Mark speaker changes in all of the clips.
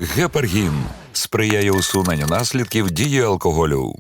Speaker 1: Гепаргін сприяє усуненню наслідків дії алкоголю.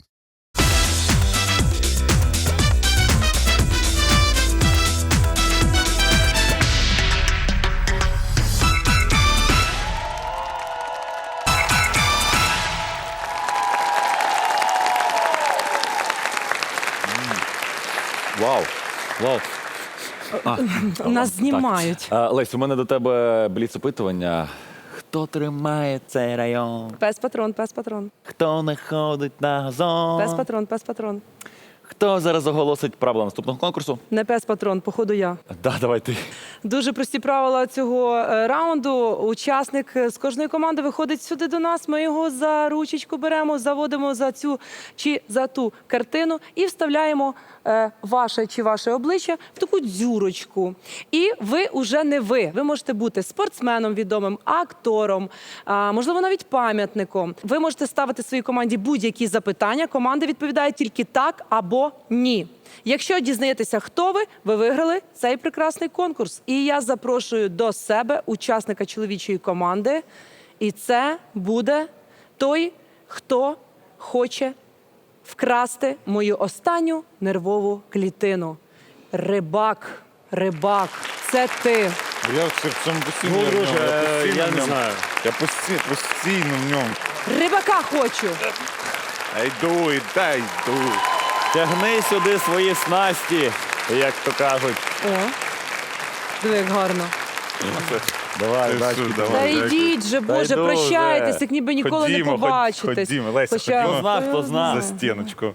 Speaker 2: Вау. Вау.
Speaker 3: Нас знімають.
Speaker 2: Лесь, у мене до тебе бліц-опитування. Хто тримає цей район?
Speaker 3: Пес-патрон, пес-патрон.
Speaker 2: Хто не ходить на газон?
Speaker 3: Пес-патрон, пес-патрон.
Speaker 2: Хто зараз оголосить правила наступного конкурсу?
Speaker 3: Не пес-патрон, походу я.
Speaker 2: Да, давай ти.
Speaker 3: Дуже прості правила цього раунду. Учасник з кожної команди виходить сюди до нас, ми його за ручечку беремо, заводимо за цю чи за ту картину і вставляємо ваше чи ваше обличчя в таку дзюрочку. І ви уже не ви. Ви можете бути спортсменом відомим, актором, можливо, навіть пам'ятником. Ви можете ставити своїй команді будь-які запитання. Команда відповідає тільки так або ні. Якщо дізнаєтеся, хто ви, ви виграли цей прекрасний конкурс. І я запрошую до себе учасника чоловічої команди. І це буде той, хто хоче вкрасти мою останню нервову клітину. Рибак, рибак, це ти.
Speaker 4: Я в цьому постійно.
Speaker 5: Ну, друже, я не
Speaker 4: в ньому.
Speaker 5: знаю.
Speaker 4: Я постійно в ньому.
Speaker 3: Рибака хочу.
Speaker 4: Йду, йду.
Speaker 2: Тягни сюди свої снасті, як то кажуть.
Speaker 3: О, диви, як гарно.
Speaker 2: Давай, бачки.
Speaker 3: Та йдіть же, Боже,
Speaker 2: йду
Speaker 3: прощайтесь,
Speaker 2: вже.
Speaker 3: як ніби ніколи не побачитесь.
Speaker 4: Ходімо, Леся,
Speaker 3: Хоча-
Speaker 4: ходімо.
Speaker 2: Хто зна, хто зна.
Speaker 4: За стіночку.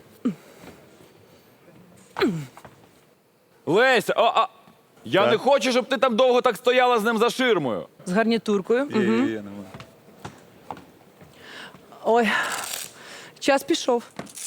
Speaker 2: Лесь, я
Speaker 4: Так.
Speaker 2: не хочу, щоб ти там довго так стояла з ним за ширмою.
Speaker 3: З гарнітуркою.
Speaker 4: Є,
Speaker 3: Мгм.
Speaker 4: нема.
Speaker 3: Ой, час пішов.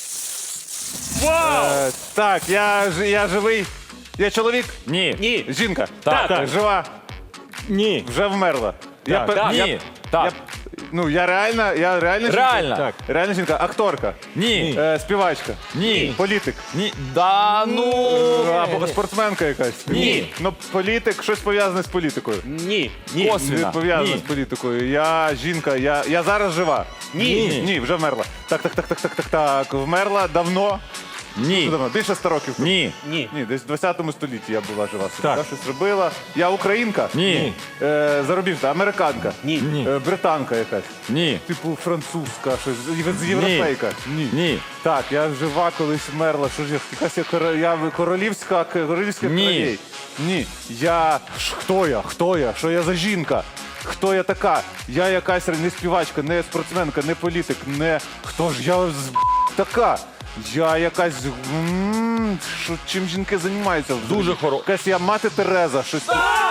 Speaker 4: Так, я живий. Я чоловік.
Speaker 2: Ні.
Speaker 5: Ні.
Speaker 4: Жінка.
Speaker 2: Так.
Speaker 4: Жива.
Speaker 5: Ні.
Speaker 4: Вже вмерла. Я пер-
Speaker 2: Так.
Speaker 4: я-
Speaker 2: Ні. Так.
Speaker 4: я реальна жінка?
Speaker 2: Реальна.
Speaker 4: Так. Реальна жінка. Акторка.
Speaker 2: Ні.
Speaker 4: Співачка.
Speaker 2: Ні.
Speaker 4: Політик.
Speaker 2: Ні. Да ну.
Speaker 4: Або спортсменка якась.
Speaker 2: Ні.
Speaker 4: Ну, політик, щось пов'язане з політикою.
Speaker 5: Ні. Ні.
Speaker 4: Не
Speaker 2: Косвіна.
Speaker 4: пов'язано
Speaker 2: Ні.
Speaker 4: з політикою. Я жінка, я зараз жива.
Speaker 5: Ні.
Speaker 4: Ні, вже вмерла. Так. Вмерла давно.
Speaker 2: Ні.
Speaker 4: Давно. Більше 100 років.
Speaker 2: Ні.
Speaker 5: Ні.
Speaker 4: Ні, десь в 20 столітті я була жива.
Speaker 5: Так.
Speaker 4: Я щось робила. Я українка.
Speaker 2: Ні.
Speaker 4: Зарубіжна, американка.
Speaker 5: Ні.
Speaker 4: Британка якась.
Speaker 2: Ні.
Speaker 4: Типу французька, щось європейка.
Speaker 2: Ні.
Speaker 4: Так, я жива, колись вмерла. Що ж я? Якась я королівська
Speaker 2: Ні.
Speaker 4: королей. Ні. Хто я? Що я за жінка? Хто я така? Я якась не співачка, не спортсменка, не політик, не... Хто ж я така? Я якась... Чим жінки займаються?
Speaker 2: Дуже
Speaker 4: Якась я мати Тереза, щось...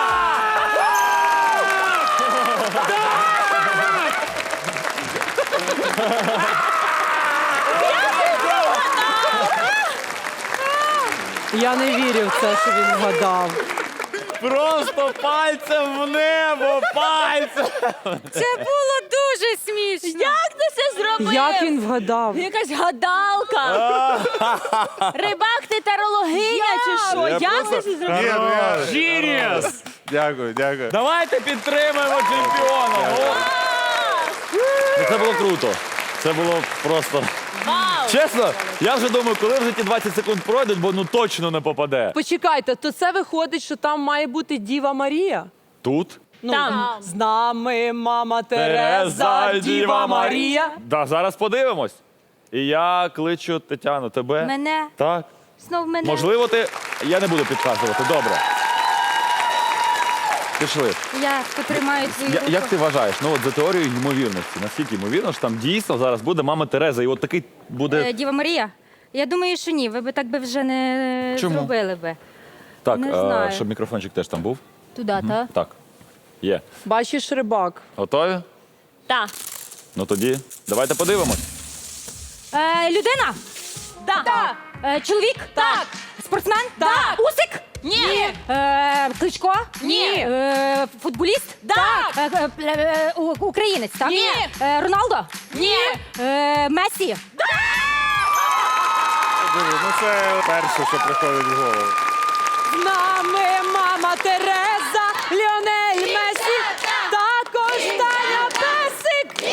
Speaker 3: Я не вірю в це, що він вгадав.
Speaker 2: Просто пальцем в небо, пальцем.
Speaker 6: Це було дуже смішно. Як ти це зробив?
Speaker 3: Як він вгадав?
Speaker 6: Якась гадалка. Рибак, ти тарологиня чи що? Як ти це зробив?
Speaker 4: Ні, ну я...
Speaker 5: Genius!
Speaker 4: Дякую.
Speaker 2: Давайте підтримаємо чемпіона. Ну, це було круто. Це було просто...
Speaker 6: Вау!
Speaker 2: Чесно, я вже думаю, коли вже ті 20 секунд пройдуть, бо ну точно не попаде.
Speaker 3: Почекайте, то це виходить, що там має бути Діва Марія?
Speaker 2: Тут?
Speaker 3: Ну,
Speaker 6: Там.
Speaker 3: з нами мама Тереза, Діва Марія.
Speaker 2: Да, зараз подивимось. І я кличу Тетяну, тебе.
Speaker 6: Мене?
Speaker 2: Так.
Speaker 6: Знов мене?
Speaker 2: Можливо, ти... Я не буду підказувати, добре. Пішли.
Speaker 6: Я потримаю твою руку.
Speaker 2: Як ти вважаєш, ну от за теорією ймовірності, наскільки ймовірно, що там дійсно зараз буде мама Тереза, і от такий буде...
Speaker 6: Діва Марія? Я думаю, що ні. Ви би так би вже не
Speaker 2: Чому?
Speaker 6: зробили би.
Speaker 2: Так,
Speaker 6: не знаю.
Speaker 2: щоб мікрофончик теж там був.
Speaker 6: Туди, так?
Speaker 2: Так. Є.
Speaker 3: Бачиш, рибак.
Speaker 2: Готові?
Speaker 6: Так.
Speaker 2: Ну тоді давайте подивимось.
Speaker 6: Людина? Так. Чоловік? Так. Спортсмен? Так. Усик? Ні. Кличко? Ні. Футболіст? Так. Українець, так? Ні. Роналдо? Ні. Месі?
Speaker 4: Ну це перше, що приходить в голову.
Speaker 3: З нами мама Тереза, Ліонель Месі, також Таня Песик.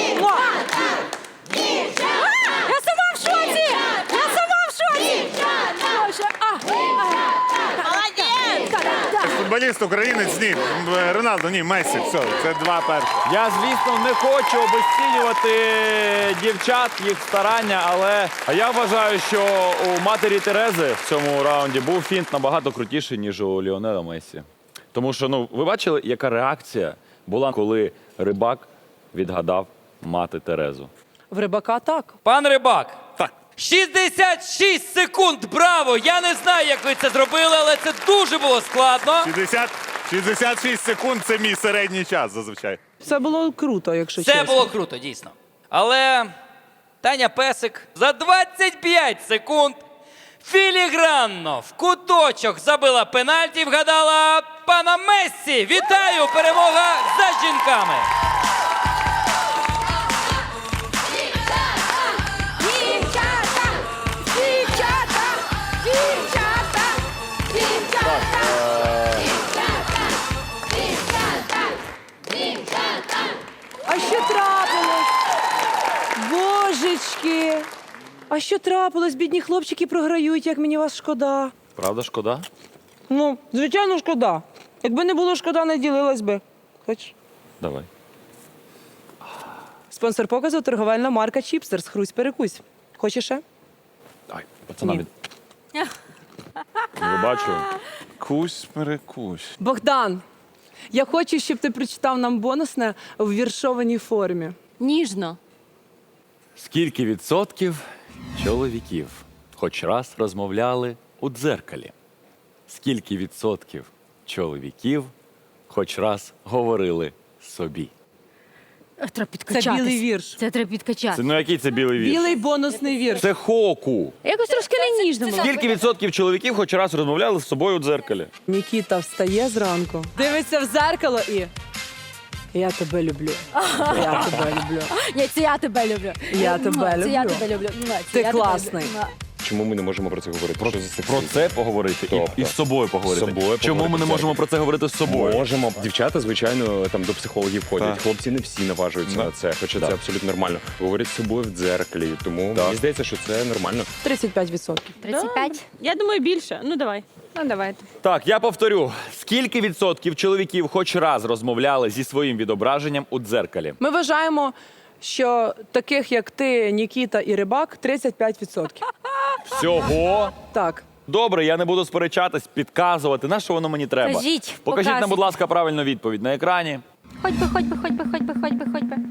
Speaker 4: футболіст, українець, ні. Роналдо, ні, Мессі. Все, це два перші.
Speaker 2: Я, звісно, не хочу обесцінювати дівчат, їх старання, але я вважаю, що у матері Терези в цьому раунді був фінт набагато крутіший, ніж у Ліонела Мессі. Тому що, ну, ви бачили, яка реакція була, коли Рибак відгадав мати Терезу?
Speaker 3: В Рибака так.
Speaker 7: Пан Рибак. 66 секунд, браво! Я не знаю, як ви це зробили, але це дуже було складно.
Speaker 4: 66 секунд – це мій середній час зазвичай.
Speaker 3: Все було круто, якщо
Speaker 7: Це
Speaker 3: чесно.
Speaker 7: було круто, дійсно. Але Таня Песик за 25 секунд філігранно в куточок забила пенальті і вгадала пана Мессі. Вітаю! Перемога за жінками!
Speaker 3: А що трапилось? Божечки! А що трапилось? Бідні хлопчики програють, як мені вас шкода.
Speaker 2: Правда, шкода?
Speaker 3: Ну, звичайно, шкода. Якби не було шкода, не ділилась би. Хочеш?
Speaker 2: Давай.
Speaker 3: Спонсор показу – торговельна марка Чіпстерс. Хрусь перекусь. Хочеш ще?
Speaker 2: Ай, пацанам.
Speaker 3: Ні.
Speaker 2: Не бачу.
Speaker 4: Кусь-перекусь.
Speaker 3: Богдан, я хочу, щоб ти прочитав нам бонусне в віршованій формі.
Speaker 6: Ніжно.
Speaker 2: Скільки відсотків чоловіків хоч раз розмовляли у дзеркалі? Скільки відсотків чоловіків хоч раз говорили собі?
Speaker 6: Треба підкачатись.
Speaker 3: білий вірш.
Speaker 6: Це треба підкачати.
Speaker 2: Це, ну який це білий вірш?
Speaker 3: Білий бонусний вірш.
Speaker 2: Це хоку.
Speaker 6: Якось трошки не ніжно було.
Speaker 2: Скільки відсотків чоловіків хоч раз розмовляли з собою у дзеркалі?
Speaker 3: Нікіта встає зранку, дивиться в дзеркало і... Я тебе люблю. Я тебе люблю.
Speaker 6: Ні, це я тебе люблю.
Speaker 3: Я тебе
Speaker 6: Це я
Speaker 3: люблю.
Speaker 6: тебе люблю.
Speaker 3: Ти класний.
Speaker 5: Чому ми не можемо про це говорити? Що за
Speaker 2: Про це поговорити
Speaker 5: Тобто?
Speaker 2: і з собою поговорити.
Speaker 5: З собою
Speaker 2: Чому ми
Speaker 5: поговорити
Speaker 2: не
Speaker 5: в
Speaker 2: можемо про це говорити з собою?
Speaker 5: Можемо. Дівчата, звичайно, там до психологів ходять.
Speaker 4: Так.
Speaker 5: Хлопці не всі наважуються на це, хоча
Speaker 2: Так.
Speaker 5: це абсолютно нормально. Говорять з собою в дзеркалі, тому мені здається, що це нормально.
Speaker 3: 35%.
Speaker 6: 35?
Speaker 8: Я думаю, більше. Ну, давай.
Speaker 6: Ну, давайте.
Speaker 2: Так, я повторю. Скільки відсотків чоловіків хоч раз розмовляли зі своїм відображенням у дзеркалі?
Speaker 3: Ми вважаємо, що таких, як ти, Нікіта і Рибак, 35%.
Speaker 2: Всього?
Speaker 3: Так.
Speaker 2: Добре, я не буду сперечатись, підказувати. На що воно мені треба?
Speaker 6: Кажіть,
Speaker 2: Покажіть нам,
Speaker 6: показуйте.
Speaker 2: будь ласка, правильну відповідь на екрані.
Speaker 6: Хоть би, хоть би, хоть би, хоть би, хоть би, хоть би.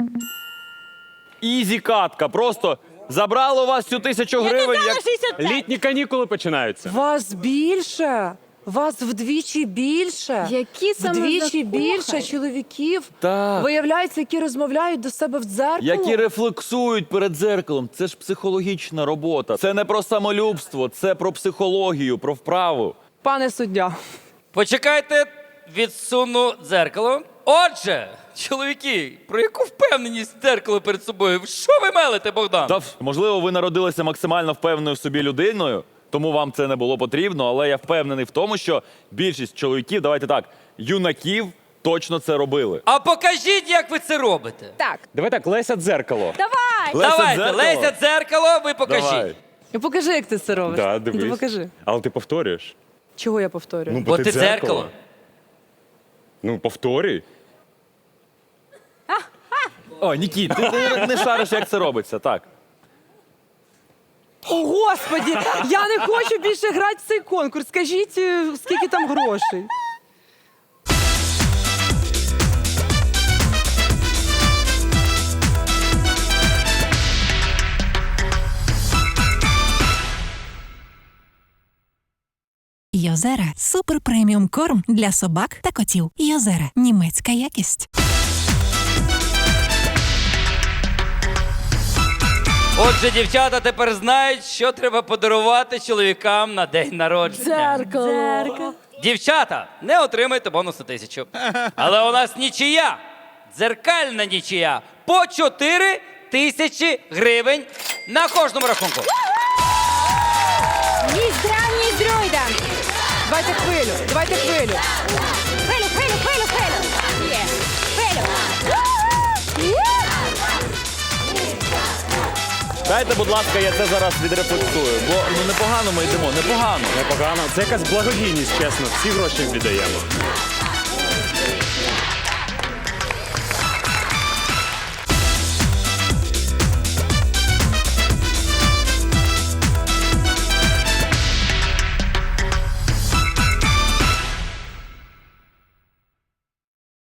Speaker 2: Ізі катка. Просто забрали у вас цю 1000 гривень.
Speaker 8: Казала 65.
Speaker 5: Літні канікули починаються.
Speaker 3: Вас більше. Вас вдвічі більше.
Speaker 6: Які саме
Speaker 3: Вдвічі
Speaker 6: закохані?
Speaker 3: більше чоловіків,
Speaker 2: Так.
Speaker 3: виявляється, які розмовляють до себе в дзеркало.
Speaker 2: Які рефлексують перед дзеркалом. Це ж психологічна робота. Це не про самолюбство, це про психологію, про вправу.
Speaker 3: Пане суддя,
Speaker 7: Почекайте, відсуну дзеркало. Отже, чоловіки, про яку впевненість дзеркало перед собою? Що ви мелите, Богдан?
Speaker 2: Та, можливо, ви народилися максимально впевненою в собі людиною, тому вам це не було потрібно, але я впевнений в тому, що більшість чоловіків, давайте так, юнаків точно це робили.
Speaker 7: А покажіть, як ви це робите.
Speaker 6: Так.
Speaker 5: Давай так, Леся дзеркало.
Speaker 6: Давай.
Speaker 7: Давайте,
Speaker 2: дзеркало?
Speaker 7: Леся дзеркало, ви покажіть.
Speaker 2: Давай.
Speaker 3: ну покажи, як ти це робиш.
Speaker 5: Да,
Speaker 3: Ну,
Speaker 5: дивись.
Speaker 3: покажи.
Speaker 5: Але ти повторюєш.
Speaker 3: Чого я повторюю?
Speaker 7: Бо ти дзеркало.
Speaker 5: Ну, повторюй.
Speaker 2: О, Нікіт, ти не шариш, як це робиться, так.
Speaker 3: О, Господі, я не хочу більше грати в цей конкурс. Скажіть, скільки там грошей?
Speaker 9: Йозера – супер преміум корм для собак та котів. Йозера – німецька якість.
Speaker 7: Отже, дівчата тепер знають, що треба подарувати чоловікам на день народження.
Speaker 6: Дзеркало.
Speaker 7: Дівчата, не отримайте бонус на 1000. Але у нас нічия. Дзеркальна нічия. По 4000 гривень на кожному рахунку.
Speaker 6: Ні здройдам.
Speaker 3: Давайте хвилю, давайте хвилю.
Speaker 6: Хвилю, хвилю, хвилю, хвилю. Є. Хвилю.
Speaker 2: Дайте, будь ласка, я це зараз відрефлексую, бо непогано ми йдемо, непогано.
Speaker 5: Непогано. Це якась благодійність, чесно. Всі гроші віддаємо.